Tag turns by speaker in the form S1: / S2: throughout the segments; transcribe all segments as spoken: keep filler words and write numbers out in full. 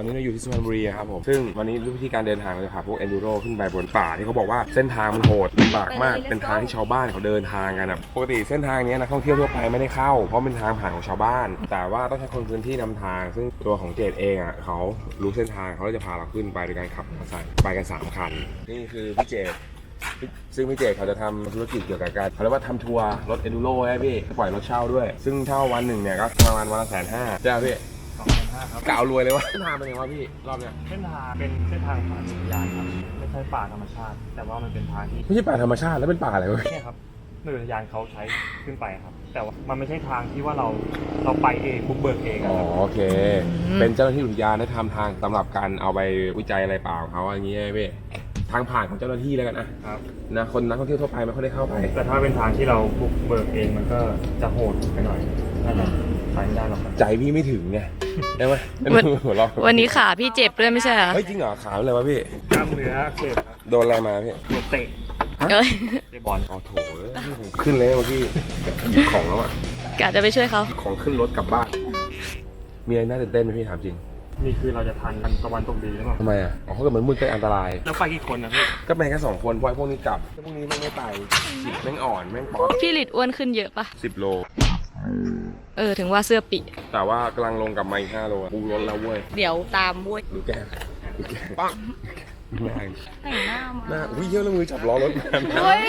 S1: อนนี้เราอยู่ที่สุพรรณบุรีครับผมซึ่งวันนี้วิธีการเดินทางเราจะพาพวก Enduro ขึ้นไปบนป่าที่เขาบอกว่าเส้นทางมันโหดลำบากมากเป็นทางที่ชาวบ้านเขาเดินทางกันนะปกติเส้นทางนี้นักท่องเที่ยวทั่วไปไม่ได้เข้าเพราะเป็นทางผ่านของชาวบ้านแต่ว่าต้องใช้คนพื้นที่นำทางซึ่งตัวของเจดเองอ่ะเขารู้เส้นทางเขาจะพาเราขึ้นไปโดยการขับมอเตอร์ไซค์ไปกันสามคันนี่คือพี่เจดซึ่งพี่เจดเขาจะทำธุรกิจเกี่ยวกับการเขาเรียกว่าทำทัวร์รถ Enduro ให้พี่ปล่อยรถเช่าด้วยซึ่งเช่าวันหนึ่งเนี่ยก็ประมาณวันละแสนห้าใช่ไหมพี่
S2: สองพันห้าครับ
S1: กะเอารวยเลยวะเส้นทางเป็นยังไงวะพี่รอบเนี้ย
S2: เส้นทางเป็นเส้นทางผ่านอุทยานครับไม่ใช่ป่าธรรมชาติ แต่ว่ามันเป็นทางที่
S1: ไม่ใช่ป่าธรรมชาติแล้วเป็นป่าอะไรวะ
S2: เนี่ยครับหน่วยอุทยานเขาใช้ขึ้นไปครับแต่ว่ามันไม่ใช่ทางที่ว่าเราเราไปเองบุกเบิกเองอ๋
S1: อโอเคเป็นเจ้าหน้าที่อุทยานได้ทำทางสำหรับการเอาไปวิจัยอะไรเปล่าเขาอย่างเงี้ยพี่ทางผ่านของเจ้าหน้าที่แล้วกันนะครับนะคนนักท่องเที่ยวทั่วไปไม่ค่อยได้เข้าไป
S2: แต่ถ้าเป็นทางที่เราบุกเบิกเองมันก็จะโหดไปหน่อยน่าจะไปไม่ได้หรอก
S1: ใจพี่ไม่ถึงไงได้ไหม
S3: วันนี้ขาพี่เจ็บด้วยไม่ใช่เหรอ
S1: เฮ้ยจริงเหรอขาอะไรวะพี่
S2: กล้ามเนื้ออักเสบครับ
S1: โดนอะไรมาพี่
S2: โดนเตะ
S3: เอ้ย
S2: เตะบอล
S1: อ๋อโถขึ้นเลยเมื่อกี้หยิบของแล้วอ่ะ
S3: กะจะไปช่วยเขา
S1: ของขึ้นรถกลับบ้านมีอะไรน่าตื่นเต้นไหมพี่ถามจริง
S2: นี่คือเราจะทันกันตะวันตกดีหรือเปล่า
S1: ทำไมอ่ะอ๋อเขาเกิดมันมืดก็อันตราย
S2: แล้วไปกี่คนนะพี่
S1: ก็ไปแค่สองคนเพราะพวกนี้กลับพวกนี้แม่งไม่ไปฉีดแม่งอ่อนแม่งป๊อป
S3: พี่หลิดอ้วนขึ้นเยอะปะ
S1: สิบโล
S3: เออถึงว่าเสื้อปิ
S1: แต่ว่ากำลังลงกับมาอีกห้าโลปูรถแล้วเว้ย
S3: เดี๋ยวตามเว้ย
S1: ดูแกดูแกปังแม่ง
S3: แต่งหน้ามา
S1: หน้าอุ้ยเยอะแล้วมือจับล้อรถ
S3: เฮ้ย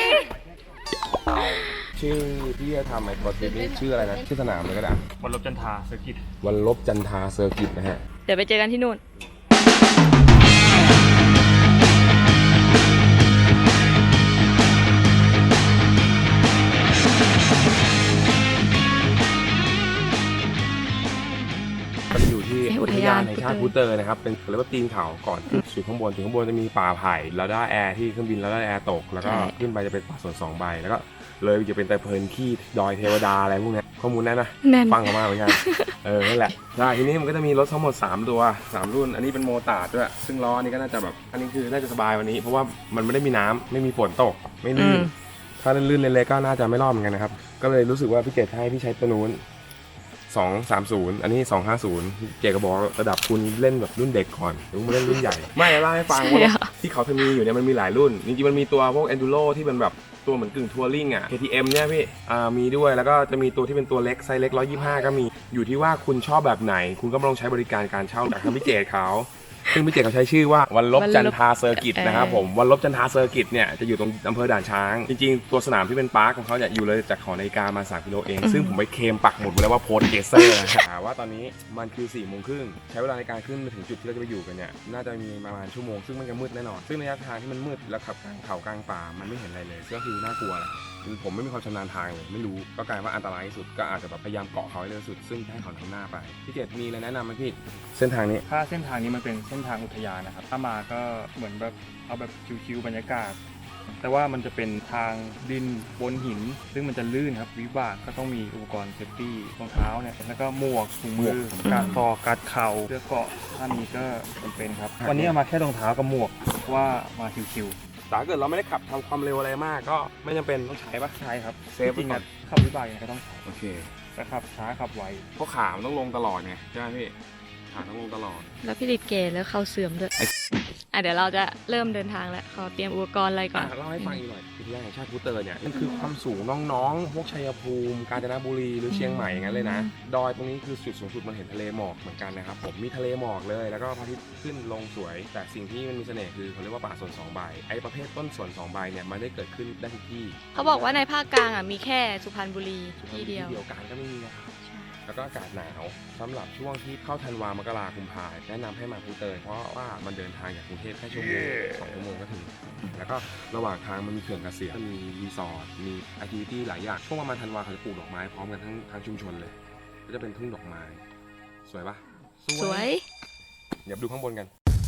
S1: ชื่อที่จะทำไอ้บอสนี้ชื่ออะไรนะชื่อสนามเลยก็ได้
S2: วันลบจันทราเซอร์กิต
S1: วันลบจันทราเซอร์กิตนะฮะ
S3: เดี๋ยวไปเจอกันที่นู่น
S1: อุทยานแห่งชาติพูเตอร์นะครับเป็นเรียกว่าตีนเขาก่อนขึ้นสู่ข้างบนถึงข้างบนจะมีป่าไผ่แล้วได้แอร์ที่เครื่องบินแล้วได้แอร์ตกแล้วก็ขึ้นไปจะเป็นป่าสวนสองใบแล้วก็เลยจะเป็นแต่เพลินขี้ดอยเทวดาอะไรพวกนี้ข้อมูลแน่นนะฟังเขามาเหมือนกันเออนั่นแหละใช่ทีนี้มันก็จะมีรถทั้งหมดสามตัวสามรุ่นอันนี้เป็นโมตาร์ดด้วยซึ่งล้ออันนี้ก็น่าจะแบบอันนี้คือน่าจะสบายวันนี้เพราะว่ามันไม่ได้มีน้ำไม่มีฝนตกไม่ลื่นถ้าลื่นๆเล็กๆก็น่าจะไม่รอดเหมือนกันนะครับก็เลยรู้สึกว่าพี่เจตให้พี่ใช้ตัวนู้นสองสามศูนย์อันนี้สองห้าศูนย์เจก็บอกระดับคุณเล่นแบบรุ่นเด็กก่อนถึงมาเล่นรุ่นใหญ่ไม่เล่าให้ฟังว่าที่เขาจะมีอยู่เนี่ยมันมีหลายรุ่นจริงๆมันมีตัวพวก Enduro ที่เป็นแบบตัวเหมือนกึ่งทัวริงอ่ะ เค ที เอ็ม เนี่ยพี่อ่ามีด้วยแล้วก็จะมีตัวที่เป็นตัวเล็กไซส์เล็กหนึ่งร้อยยี่สิบห้าก็มีอยู่ที่ว่าคุณชอบแบบไหนคุณก็มาลองใช้บริการการเช่าจากทางพี่เจเขาซึ่งพี่เจเขาใช้ชื่อว่าวันลบจันทราเซอร์กิตนะครับผมวันลบจันทราเซอร์กิตเนี่ยจะอยู่ตรงอำเภอด่านช้างจริงๆตัวสนามที่เป็นปาร์คของเขาเนี่ยอยู่เลยจากหอนาฬิกามาสามกิโลเองซึ่งผมไปเคลมปักหมุดไว้แล้วว่าโพสเกเซอร์นะว่าตอนนี้มันคือสี่โมงครึ่งใช้เวลาในการขึ้นมาถึงจุดที่เราจะไปอยู่กันเนี่ยน่าจะมีประมาณชั่วโมงซึ่งมันจะมืดแน่นอนซึ่งระยะทางที่มันมืดแล้วขับกลางเขากลางป่ามันไม่เห็นอะไรเลยก็คือน่ากลัวแหละคือผมไม่มีความชำนาญทางเลยไม่รู้ก็กลายว่าอันตรายที่สุดก็อาจจะแบบพยายามเกาะเขาให้เร็วสุดซึ่งให้เขาทำหน้าไปพี่เจตมีอะไรแนะนำไหมพี่เส้นทางนี้
S2: ถ้าเส้นทางนี้มันเป็นเส้นทางอุทยานนะครับถ้ามาก็เหมือนแบบเอาแบบชิวๆบรรยากาศแต่ว่ามันจะเป็นทางดินบนหินซึ่งมันจะลื่นครับวิบากก็ต้องมีอุปกรณ์เซฟตี้รองเท้าเนี่ยแล้วก็หมวกถุงมือการคอการเข่าเสื้อเกราะถ้ามีก็จำเป็นครับวันนี้เอามาแค่รองเท้ากับหมวกว่ามาชิวๆ
S1: แต่ถ้าเกิดเราไม่ได้ขับทำความเร็วอะไรมากก็ไม่จำเป็นต้องใช้ปะ
S2: ใช่ครับ
S1: เซฟจริง
S2: ๆขับวิบากยังไงก็ต้องใช้
S1: โอเค
S2: แต่ขับช้าขับไว
S1: เพราะขามันต้องลงตลอดไงใช่ไหมพี่ขาต้องลงตลอด
S3: แล้วพี่ลิดเกย์แล้วเขาเสื่อมด้วยอ่ะเดี๋ยวเราจะเริ่มเดินทางแล้วขอเตรียมอุปกรณ์อะไรก่อน
S1: เล่าให้ฟังอีกหน่อยอุทยานแห่งชาติพูเตอร์เนี่ยนั่นคือความสูงน้องๆพวกชัยภูมิกาญจนบุรีหรือเชียงใหม่อย่างนั้นเลยนะดอยตรงนี้คือจุดสูงสุดมันเห็นทะเลหมอกเหมือนกันนะครับผมมีทะเลหมอกเลยแล้วก็พระอาทิตย์ขึ้นลงสวยแต่สิ่งที่มันมีเสน่ห์คือเขาเรียกว่าป่าสวนสองใบไอ้ประเภทต้นสวนสองใบเนี่ยมันได้เกิดขึ้นได้ทุกที่
S3: เขาบอกว่าในภาคกลางอ่ะมีแค่สุพรรณบุรีที่เดียว
S1: เดียวกันก็ไม่มีนะครับแล้วก็อากาศหนาวสำหรับช่วงที่เข้าธันวามกราคมพาแนะนำให้มาพูเตอร์เพราะว่ามันเดินทางจากกรุงเทพแค่ชั่วโมงสองชั่วโมงก็ถึงแล้วก็ระหว่างทางมันมีเขื่อนเกษียณมีรีสอร์ทมีแอคทิวิตี้หลายอย่างช่วงประมาณธันวาเขาจะปลูกดอกไม้พร้อมกันทั้งทั้งชุมชนเลยก็จะเป็นทุ่งดอกไม้สวยปะ
S3: สวย
S1: เดี๋ยวดูข้างบนกัน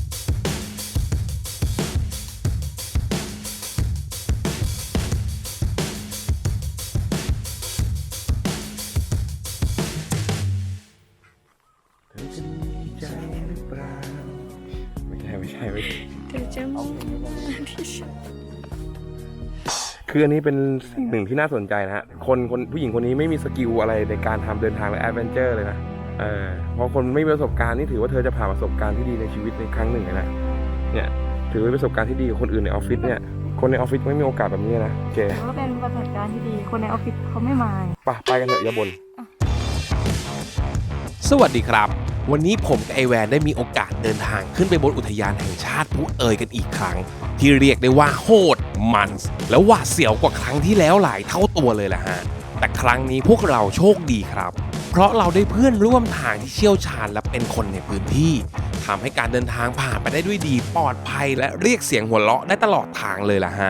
S1: ไม่ใช่ไม่ใช่คืออันนี้เป็นสิ่งหนึ่งที่น่าสนใจนะฮะคนคนผู้หญิงคนนี้ไม่มีสกิลอะไรในการทำเดินทางและแอดเวนเจอร์เลยนะเออเพราะคนไม่มีประสบการณ์นี่ถือว่าเธอจะผ่านประสบการณ์ที่ดีในชีวิตในครั้งหนึ่งเลยนะเนี่ยถือว่าเป็นประสบการณ์ที่ดีกว่าคนอื่นในออฟฟิศเนี่ยคนในออฟฟิศไม่มีโอกาสแบบนี้นะโอเค
S3: แต่ว่าเป็นประสบการณ์ที่ดีคนในออฟฟิศเขาไม่มา
S1: ไปไปกันเถอะอย่าบ่น
S4: สวัสดีครับ วันนี้ผมกับไอแวนได้มีโอกาสเดินทางขึ้นไปบนอุทยานแห่งชาติภูเอยกันอีกครั้ง ที่เรียกได้ว่าโหดมันและหวาดเสียวกว่าครั้งที่แล้วหลายเท่าตัวเลยล่ะฮะแต่ครั้งนี้พวกเราโชคดีครับ เพราะเราได้เพื่อนร่วมทางที่เชี่ยวชาญและเป็นคนในพื้นที่ทำให้การเดินทางผ่านไปได้ด้วยดีปลอดภัยและเรียกเสียงหัวเราะได้ตลอดทางเลยล่ะฮะ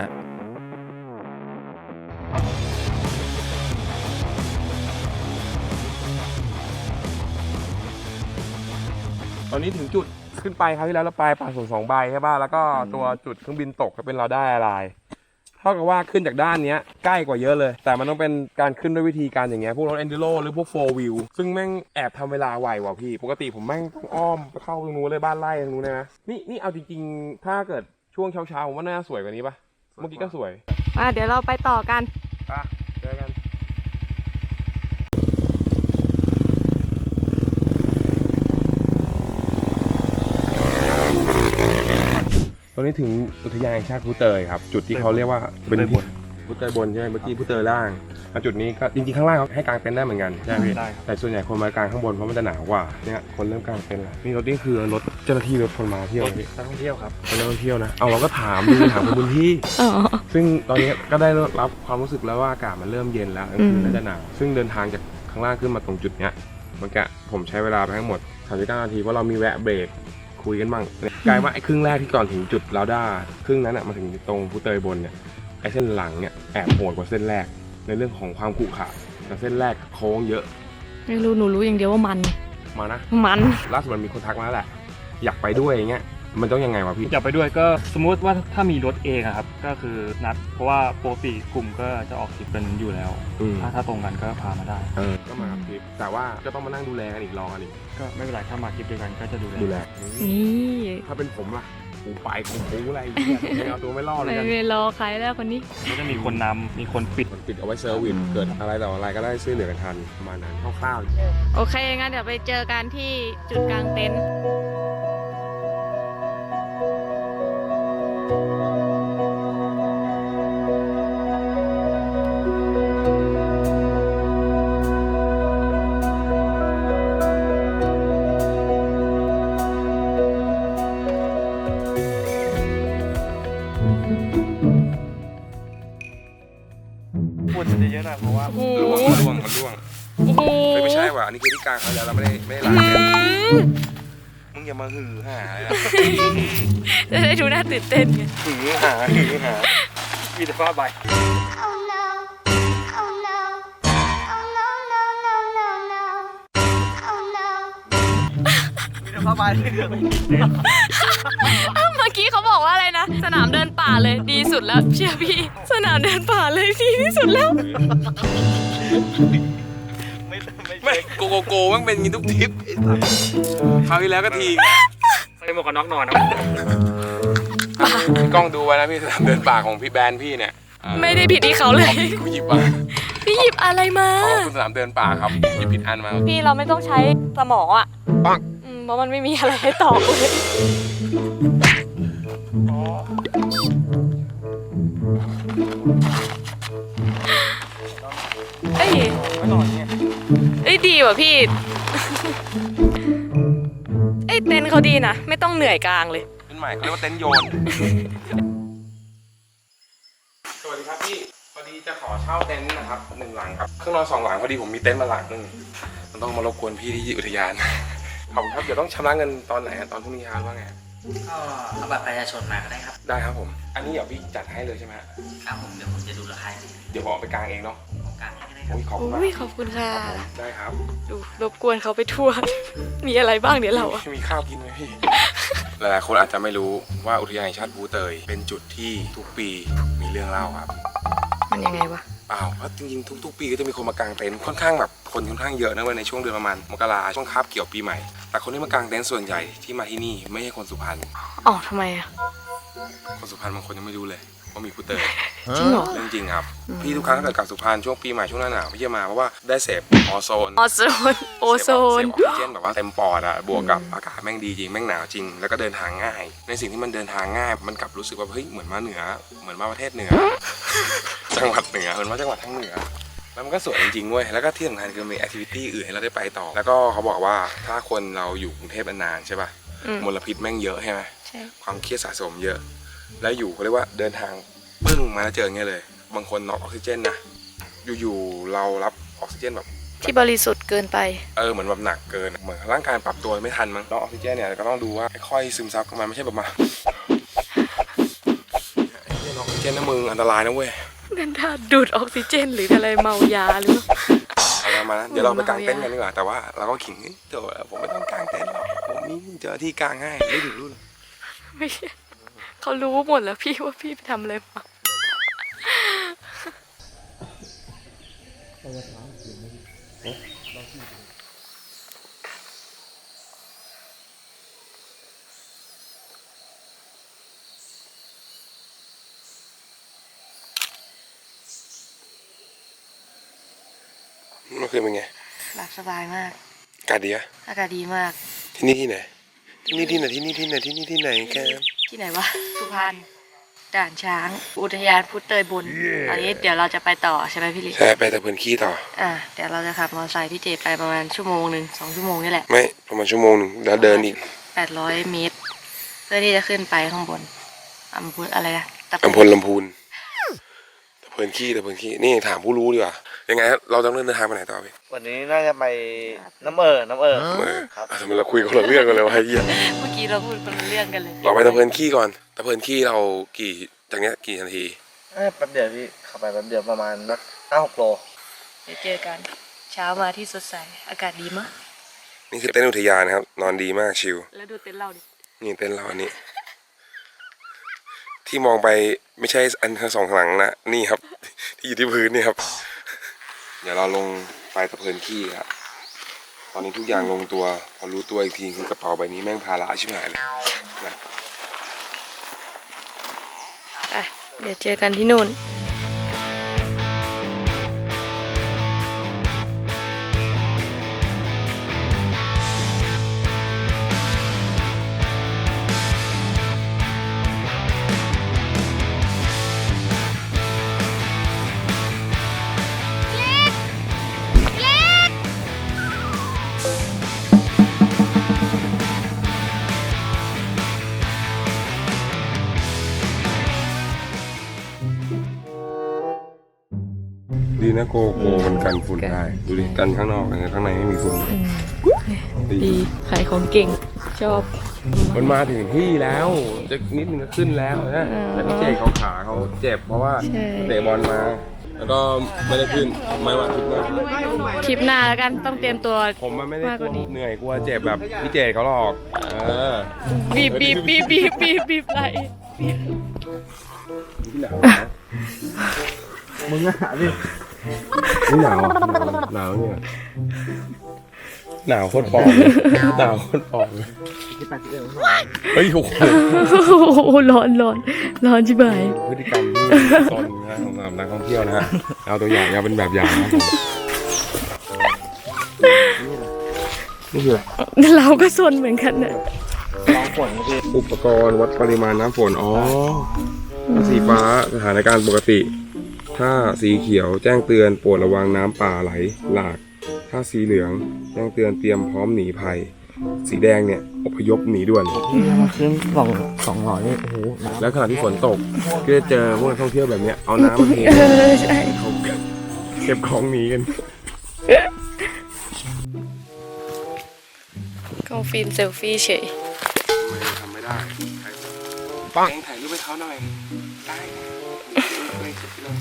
S1: ตอนนี้ถึงจุดขึ้นไปคราวที่แล้วเราไปป่าสนสองใบใช่ป่ะแล้วก็ตัวจุดเครื่องบินตกก็เป็นเราได้อะไรเท่ากับว่าขึ้นจากด้านนี้ใกล้กว่าเยอะเลยแต่มันต้องเป็นการขึ้นด้วยวิธีการอย่างเงี้ยพวกรถ Enduro หรือพวก โฟร์ wheel ซึ่งแม่งแอบทำเวลาไวว่ะพี่ปกติผมแม่งต้องอ้อมไปเข้าตรงนู้นเลยบ้านไร่ตรงนู้นเลยนะนี่นี่เอาจริงๆถ้าเกิดช่วงเช้าๆผมว่าน่าสวยกว่านี้ป่ะเมื่อกี้ก็สวย
S3: อ่ะเดี๋ยวเราไปต่อกัน
S1: ไปเจอกันตอนนี้ถึงอุทยานแห่งชาติภูเตยครับจุดที่เขาเรียกว่าเป็นที่ภูเตยบนใช่ไหมเมื่อกี้ภูเตยล่างแล้วจุดนี้ก็จริงๆข้างล่างเขาให้กางเต็นท์ได้เหมือนกันใช่ไหมพี่
S2: ได้ครับ
S1: แต่ส่วนใหญ่คนมากางข้างบนเพราะมันจะหนาวกว่าเนี่ยคนเริ่มกางเต็นท์แล้วนี่รถนี่คือรถเจ้าหน้าที่รถคนมาเที่ยวพี่
S2: นักท่องเที่ยวครับ
S1: เป็นนักท่องเที่ยวนะเอาเราก็ถามดูถามคนพื้นที่
S3: อ๋อ
S1: ซึ่งตอนนี้ก็ได้รับความรู้สึกแล้วว่าอากาศมันเริ่มเย็นแล้วกลางคืนน่าจะหนาวซึ่งเดินทางจากข้างล่างขึ้นมาตรงจุดเนี้ยเมื่อกี้ผมใช้เวลาไปทั้งหมดสามสิบเก้านาทีเพราะเรามีแวะเบรกคุยกันบ้างกลายว่าไอ้ครึ่งแรกที่ก่อนถึงจุดลาวด้าครึ่งนั้นอ่ะมาถึงตรงภูเตยบนเนี่ยไอ้เส้นหลังเนี่ยแอบโหดกว่าเส้นแรกในเรื่องของความขรุขระแต่เส้นแรกโค้งเยอะ
S3: ไม่รู้หนูรู้อย่างเดียวว่ามัน
S1: มานะ
S3: มัน
S1: ล่าสุดมันมีคนทักมาแล้วแหละอยากไปด้วยอย่างเงี้ยมันต้องยังไงวะพี่
S2: อยากไปด้วยก็สมมุติว่าถ้ามีรถเองอะครับก็คือนัดเพราะว่าปกติกลุ่มก็จะออกทริปกันอยู่แล้ว
S1: อืม
S2: ถ้าถ้าตรงกันก็พามาได้
S1: เออก็มากับทริปแต่ว่าก็ต้องมานั่งดูแลกันอีกรอกันอีก
S2: ก็ไม่เป็นไรถ้ามาทริปเดียวกันก็จะดูแล
S1: ดูแล
S3: นี่
S1: ถ้าเป็นผมล่ะกูไปกูปูอะไรอย่างเงี้ยไม่เอาตัวไม่รอดเลย
S3: ไม่
S1: กัน
S3: ไม่รอใครแล้วคนนี้
S2: ก็จะมีคนนำมีคนปิด
S1: มันปิดเอาไว้เซอร์วิสเกิดอะไรต่ออะไรก็ได้ช่วยเหลือกันทันประมาณนั้นคร่าว
S3: โอเคงั้นเดี๋ยวไปเจอกันที่จุดกลางเต็นท์
S2: พูดจะเยอะหน่อยเพราะว่า
S3: โอ้
S1: ๆ
S3: โห
S1: ล่วงมันล่วงมันล่วง
S3: โอ้โห
S1: เฮ้ยไม่ใช่ว่ะอันนี้คือที่กลางเขาแล้วเราไม่ได้ไม่ได้ล้างเลยมึงอย่ามาหือหาเลยนะ
S3: จะได้ดูน่าตื่นเต้นไง
S1: หือหาหือหา
S2: มีแต่ผ้าใบ
S5: Oh no, oh no, oh no, no, no, no, no, oh no.
S2: มีแต่ผ้าใบ
S3: เมื่อกี้เขาบอกว่าอะไรนะ สนามเดินป่าเลยดีสุดแล้วเชื่อพี่ สนามเดินป่าเลยดีที่สุดแล้ว
S2: ไม่ไม่
S1: ไม่โกโกโก้มันเป็นอย่างนี้ทุกทริปคราวที่แล้วก็ที
S2: ใส่หมวกกันน็อกนอนนะ
S1: พี่กล้องดูไว้นะพี่สนามเดินป่าของพี่แบรนด์พี่เนี่ย
S3: ไม่ได้ผิดที่เขาเลย
S1: กูหยิบมา
S3: พี่หยิบอะไรมา
S1: เขาคือสนามเดินป่าครับหยิบผิดอันมา
S3: พี่เราไม่ต้องใช้สมองอ่ะ
S1: ปัง
S3: อืมเพราะมันไม่มีอะไรให้ตอบเลยเอ้ย
S1: ไม่นอนเนี่ย
S3: เอ้ยดีว่ะพี่ เอ้ยเต็นท์เขาดีนะ ไม่ต้องเหนื่อยกลางเลย
S1: เป็นใหม่เขาเรียกว่าเต็นท์โยน สวัสดีครับพี่พอดีจะขอเช่าเต็นท์นะครับหนึ่งหลังครับเครื่องนอนสองหลังพอดีผมมีเต็นท์มาหลังนึงมันต้องมารบกวนพี่ที่อุทยาน ขอบคุณครับเดี๋ยวต้องชำระเงินตอนไหนอะตอนพรุ่งนี้ครับว่าไง
S6: ก็เอาบัตรประชาชนมาก็ได้ครับ
S1: ได้ครับผม อันนี้เดี๋ยวพี่จัดให้เลยใช่ไหมฮะ
S6: ครับผมเดี๋ยวผมจะดูราคาให้
S1: เดี๋ยวผมเอาไปกางเองเนาะ
S6: ของกลางให้ก็ได้ครับ
S1: โอ้ยขอบคุณมาก
S3: โอ้ยขอบคุณค่ะ
S1: ครับผมได้ครับ
S3: ดูรบกวนเขาไปทั่ว มีอะไรบ้างเดี๋ยวเราอะ
S1: มีข้าวกินไหมพี่ หลายๆคนอาจจะไม่รู้ว่าอุทยานแห่งชาติภูเตยเป็นจุดที่ทุกปีมีเรื่องเล่าครับ
S3: มันยังไงวะ
S1: เปล่าเพราะจริงๆทุกๆปีก็จะมีคนมากางเต็นท์ค่อนข้างแบบคนค่อนข้างเยอะนะเว้ยในช่วงเดือนประมาณมกราช่วงคาบเกี่ยวปีใหม่แต่คนที่มากางเต็นท์ส่วนใหญ่ที่มาที่นี่ไม่ใช่คนสุพรรณ
S3: อ๋อทำไมอะ
S1: คนสุพรรณบางคนยังไม่รู้เลยว่ามีภูเตย
S3: จริงเหรอ
S1: เรื่องจริงครับพี่ทุกครั้งถ้าเกิดกลับสุพรรณช่วงปีใหม่ช่วงหน้าหนาวพี่จะมาเพราะว่าได้เสพออโซน
S3: ออโซนโอโซน
S1: เสพออกซิเจนแบบว่าเต็มปอดอะบวกกับอากาศแม่งดีจริงแม่งหนาวจริงแล้วก็เดินทางง่าย ในสิ่งที่มันเดินทางง่ายมันกลับรู้สึกว่าเฮ้ยเหมือนมาเหนือเหมือนมาประเทศเหนือ จังหวัดเหนือเหมือนมาจังหวัดทั้งเหนือแล้วมันก็สวยจริงๆเว้ยแล้วก็ที่สำคัญคือมีแอคทิวิตี้อื่นให้เราได้ไปต่อแล้วก็เขาบอกว่าถ้าคนเราอยู่กรุงเทพนานๆใช่ป่ะ
S3: อืม
S1: มลพิษแม่งเยอะใช่ไหม
S3: ใช่
S1: ความเครียดสะสมเยอะ แล้วอยู่เขาเรียกว่าเดินทางปึ้งมาแล้วเจออย่างเงี้ยเลย บางคนน็อกออกซิเจนนะอยู่ๆเรารับออกซิเจนแบบ
S3: ที่บริสุทธิ์เกินไป
S1: เออเหมือนแบบหนักเกินเหมือนร่างกายปรับตัวไม่ทันมั้งน็อกออกซิเจนเนี่ยก็ต้องดูว่าค่อยๆซึมซับเข้ามาไม่ใช่แบบมาน็อกออกซิเจนนะมึงอันตรายนะเว้ย
S3: นั่นถ้าดูดออกซิเจนหรืออะไรเมายาหรือ
S1: เอาละมานะเดี๋ยวเราไปกางเต็นท์กันดีกว่าแต่ว่าเราก็ขิงเดี๋ยวผมไม่ต้องกางเต็นท์หรอกผมมีเจอที่กางให้ไม่ถึงรุ่น
S3: ไม่ใช่เขารู้หมดแล้วพี่ว่าพี่ไปทำอะไรมา
S1: เมื่อคืนเป็นไง
S3: หลับสบายมาก
S1: อากาศดีอะ
S3: อากาศดีมาก
S1: ที่นี่ที่ไหนที่นี่ที่ไหนที่นี่ที่ไหนที่นี่ที่ไหนแก
S3: ที่ไหนวะ สุพรรณ ด่านช้าง อุทยานพุทธเตยบนตอนนี้เดี๋ยวเราจะไปต่อใช่ไหมพี่ลิ
S1: ใช่ไปแต่เพื่อนขี้ต่อ
S3: อ่า เดี๋ยวเราจะขับมอเตอร์ไซค์พี่เจไปประมาณชั่วโมงหนึ่งสองชั่วโมงนี่แหละ
S1: ไม่ประมาณชั่วโมงหนึ่งแล้วเดินอีก
S3: แปดร้อยเมตร เพื่อที่จะขึ้นไปข้างบนอำเภออะไรนะตะ
S1: อำเภอลำพูนแต่เพื่อนขี้แต่เพื่อนขี้นี่ถามผู้รู้ดีกว่ายังไงครับเราต้องเดินทางไปไหนต่อพี่
S7: วันนี้น่าจะไปน้ำเออน้ำเออ
S1: เออ
S7: ครับ
S1: ทำไมเราคุยคนละเรื่องกันเลยวะไอ้เหี้ย
S3: เมื่อกี้เราพูดคนละเรื่องกันเลย
S1: เราไปตะเพื่อนขี้ก่อนตะเพื่อนขี้เรากี่จากเนี้ยกี่นาที
S7: เอ้ยแป๊บเดียวพี่ขับไปแป๊บเดียวประมาณนักห้าหกโล
S3: เดี๋ยวเจอกัน เช้ามาที่สดใส อากาศดีมาก
S1: นี่คือเต็นท์อุทยานนะครับ นอนดีมากชิล
S3: แล้วดูเต็นท์เราดิ
S1: นี่เต็นท์เราอันนี้ ที่มองไปไม่ใช่อันทั้งสองหลังนะนี่ครับ ที่อยู่ที่พื้นนี่ครับ เดี๋ยวเราลงไปตะเพินขี้ครับตอนนี้ทุกอย่างลงตัว พอรู้ตัวอีกทีคือกระเป๋าใบนี้แม่งภาระชิบหายเลยนะ
S3: ไปเดี๋ยวเจอกันที่นู่น
S1: ดีนะโกโก้มันกันฝุ่นได้ดูดิกันข้างนอกแต่ข้างในไม่มีฝุ่น
S3: ดีขายของเก่ง ชอบ
S1: มันมาถึงที่แล้วจะนิดนึงก็ขึ้นแล้วนะแต่พี่เจเขาขาเขาเจ็บเพราะว่า
S3: ใช่
S1: เตะบอลมา แล้วก็ไม่ได้ขึ้นไม่ว่าทุกหน้า
S3: ทริปหน้าแล้วกันต้องเตรียมตัว
S1: ผมมันไม่ได้
S3: มาก
S1: ก
S3: ก
S1: ลัว
S3: ว่านี้
S1: เหนื่อยกลัวเจ็บแบบพี่เจเขาหรอกเออ
S3: บีบบีบบีบบีบบีบบีบไหล
S1: ที่หนาวนะ
S7: มึงอะพี่
S1: นี่หนาวอ่ะหนาวเนี่ยหนาวโคตรปลอมเลยหนาวโคตรปลอมเลย
S7: ที่ไปที่เอว
S1: เฮ้ยโอ้โห
S3: โอ้โหร้อนร้อนร้อนชิบหาย
S1: พฤติกรรมที่ซนนะของนักท่องเที่ยวนะฮะเอาตัวอย่างเอาเป็นแบบอย่างนะครับผมนี่คืออะไร
S3: เราก็ซนเหมือนกันเนี่ย
S7: ลองฝนพี่
S1: อุปกรณ์วัดปริมาณน้ำฝน อ๋อถ้าสีฟ้าสถานการณ์ปกติ ถ้าสีเขียวแจ้งเตือนโปรดระวังน้ำป่าไหลหลาก ถ้าสีเหลืองแจ้งเตือนเตรียมพร้อมหนีภัย สีแดงเนี่ยอพยพหนีด่วน
S7: พี่มาขึ้นสองสองหน่อยนี่โอ้โหน้ำ
S1: แล้วขณะที่ฝนตกก็จะเจอพวกนักท่องเที่ยวแบบเนี้ยเอาน้ำมาเท
S3: เออใช่
S1: เขาเก็บของหนีกัน
S3: กล้องฟิล์มเซลฟี่เฉย
S1: ไม่ทำไม่ได้ปังถ่ายรูปให้เขาหน่อยได้ไม่สุดเลย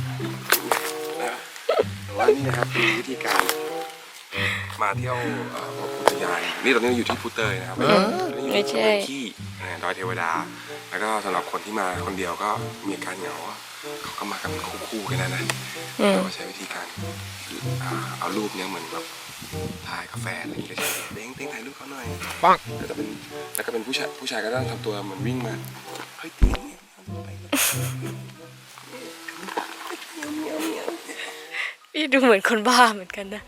S1: แต่ว่านี่นะครับคือวิธีการมาเที่ยวเอ่ออุทยานนี่ตอนนี้เราอยู่ที่พุเตยนะครับ
S3: ไม่ใช่
S1: ที่ดอยเทวดา แล้วก็สำหรับคนที่มาคนเดียวก็มีอาการเหงาเขาก็มากันเป็นคู่ๆกันนะนะ
S3: อืม
S1: เราก็ใช้วิธีการอ่าเอารูปเนี้ยเหมือนแบบถ่ายกาแฟอะไรอย่างเงี้ยเด้งเด้งถ่ายรูปเขาหน่อยปังแล้วจะเป็นแล้วก็เป็นผู้ชายผู้ชายก็ต้องทำตัวเหมือนวิ่งมาเฮ้ยเด้งไปเลย
S3: พี่ดูเหมือนคนบ้าเหมือนกันนะ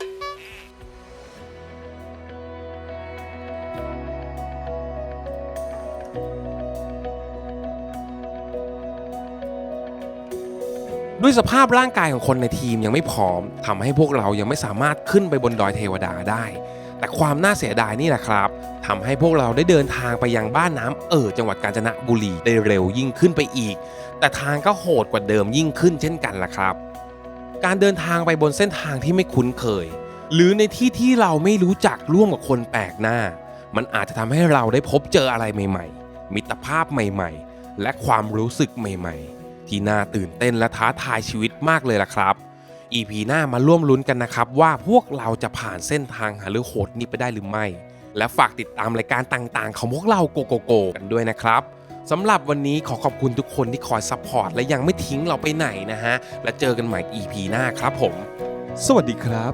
S4: ด้วยสภาพร่างกายของคนในทีมยังไม่พร้อมทำให้พวกเรายังไม่สามารถขึ้นไปบนดอยเทวดาได้ แต่ความน่าเสียดายนี่แหละครับทำให้พวกเราได้เดินทางไปยังบ้านน้ำเอ่อจังหวัดกาญจนบุรีได้เร็วยิ่งขึ้นไปอีก แต่ทางก็โหดกว่าเดิมยิ่งขึ้นเช่นกันล่ะครับ การเดินทางไปบนเส้นทางที่ไม่คุ้นเคย หรือในที่ที่เราไม่รู้จักร่วมกับคนแปลกหน้า มันอาจจะทำให้เราได้พบเจออะไรใหม่ๆมิตรภาพใหม่ๆและความรู้สึกใหม่ๆที่น่าตื่นเต้นและท้าทายชีวิตมากเลยล่ะครับ อี พี หน้ามาร่วมลุ้นกันนะครับว่าพวกเราจะผ่านเส้นทางหาเรื่องโหดนี้ไปได้หรือไม่ และฝากติดตามรายการต่างๆของพวกเราโกโกโกกันด้วยนะครับสำหรับวันนี้ขอขอบคุณทุกคนที่คอยซัพพอร์ตและยังไม่ทิ้งเราไปไหนนะฮะและเจอกันใหม่ อี พี หน้าครับผม สวัสดีครับ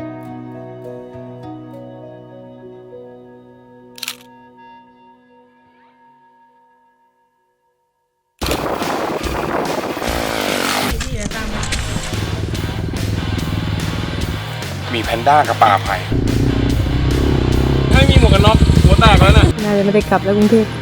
S1: มีแพนด้ากับปลาไผ่ให้มีหมวกกันน็อกหัวแตกแล้วน่ะ
S8: น่าจะไม่ได้กลับแล้วกรุงเทพ